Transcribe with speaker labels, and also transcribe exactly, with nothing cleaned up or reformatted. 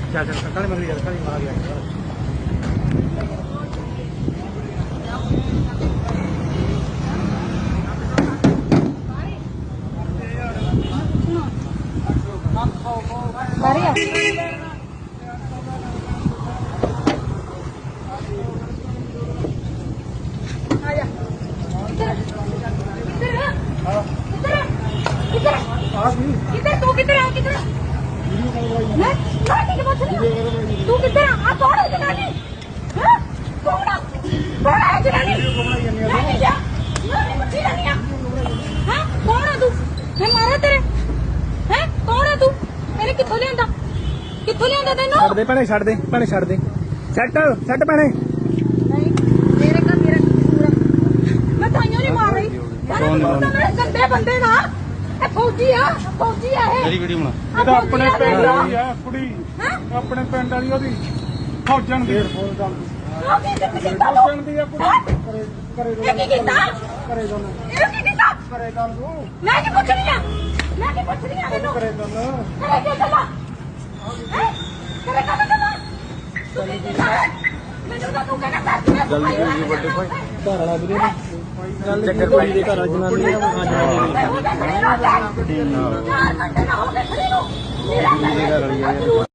Speaker 1: ਚੱਲ ਚੱਲ ਕਾਲੇ ਮਗਰ ਯਾਰ ਕਾਲੇ ਮਾਰ ਗਿਆ
Speaker 2: ਬਾਰੇ ਆ ਆ ਜਾ ਕਿੱਧਰ ਕਿੱਧਰ
Speaker 1: ਆਸ ਨਹੀਂ
Speaker 2: ਕਿੱਧਰ ਤੂੰ ਕਿੱਧਰ ਆ ਕਿੱਧਰ ਮੈਂ ਮੈਂ ਕੀ ਪੁੱਛ ਰਹੀ ਤੂੰ ਕਿੱਧਰ ਆ ਕੌਣ ਹੈ ਜਨਾਨੀ ਹਾਂ ਕੌਣ ਆ ਕੌਣ ਹੈ ਜਨਾਨੀ ਮੈਂ ਨਹੀਂ ਜਾ ਮੈਂ ਨਹੀਂ ਪੁੱਛੀ ਰਹੀ ਆ ਹਾਂ ਕੌਣ ਆ ਤੂੰ ਮੈਂ ਮਾਰਾ ਤੇਰੇ ਹੈ ਕੌਣ ਆ ਤੂੰ ਮੇਰੇ ਕਿੱਥੋਂ ਲਿਆਂਦਾ ਕਿੱਥੋਂ ਲਿਆਂਦਾ ਤੈਨੂੰ
Speaker 1: ਛੱਡ ਦੇ ਭੈਣੇ ਛੱਡ ਦੇ ਭੈਣੇ ਛੱਡ ਦੇ ਸੈੱਟ ਸੈੱਟ ਭੈਣੇ
Speaker 2: ਨਹੀਂ ਮੇਰੇ ਘਰ ਮੇਰਾ ਕਸੂਰ ਆ ਮੈਂ ਤਾਈਓ ਨਹੀਂ ਮਾਰ ਰਹੀ ਮੇਰੇ ਗੰਦੇ ਬੰਦੇ ਦਾ ਇਹ ਫੌਜੀ ਆ ਫੌਜੀ ਆ ਇਹ
Speaker 3: ਮੇਰੀ ਵੀਡੀਓ ਬਣਾ
Speaker 1: ਇਹ ਤਾਂ ਆਪਣੇ ਪਿੰਡ ਵਾਲੀ ਆ ਕੁੜੀ
Speaker 2: ਹਾਂ
Speaker 1: ਆਪਣੇ ਪਿੰਡ ਵਾਲੀ ਉਹਦੀ ਫੌਜਣ ਦੀ
Speaker 2: ਉਹ ਕੀ ਕੀਤਾ ਤੂੰ
Speaker 1: ਫੌਜਣ ਦੀ ਆ ਕੁੜੀ ਕਰੇ ਕਰੇ
Speaker 2: ਇਹ ਕੀ ਕੀਤਾ
Speaker 1: ਕਰੇ ਦੋਨ
Speaker 2: ਇਹ ਕੀ ਕੀਤਾ
Speaker 1: ਕਰੇ ਦੋਨ ਤੂੰ
Speaker 2: ਮੈਂ ਕੀ ਪੁੱਛ ਰਹੀ ਆ ਮੈਂ ਕੀ ਪੁੱਛ ਰਹੀ ਆ ਮੈਨੂੰ
Speaker 1: ਕਰੇ ਦੋਨ
Speaker 2: ਕਰੇ ਕੀ ਗੱਲਾਂ ਹੈ ਕਰੇ ਕਾ ਗੱਲਾਂ ਤੂੰ ਕੀ ਕੀਤਾ ਮੈਨੂੰ ਤਾਂ ਤੂੰ ਕਹਿੰਦਾ ਦੱਸ
Speaker 3: ਜਲਦੀ ਕਰੀਏ ਵੱਡੇ ਭਾਈ
Speaker 1: ਘਰ ਵਾਲਾ ਵੀਰੇ ਚੱਕਰ ਪਾਈ ਦੇ ਘਰ ਜਨਾਨੀ ਆ
Speaker 2: ਚਾਰ ਘੰਟੇ ਨਾ ਹੋ ਗਏ ਖੜੀ ਨੂੰ ਮੇਰਾ
Speaker 3: ਘਰ ਵਾਲੀ ਆ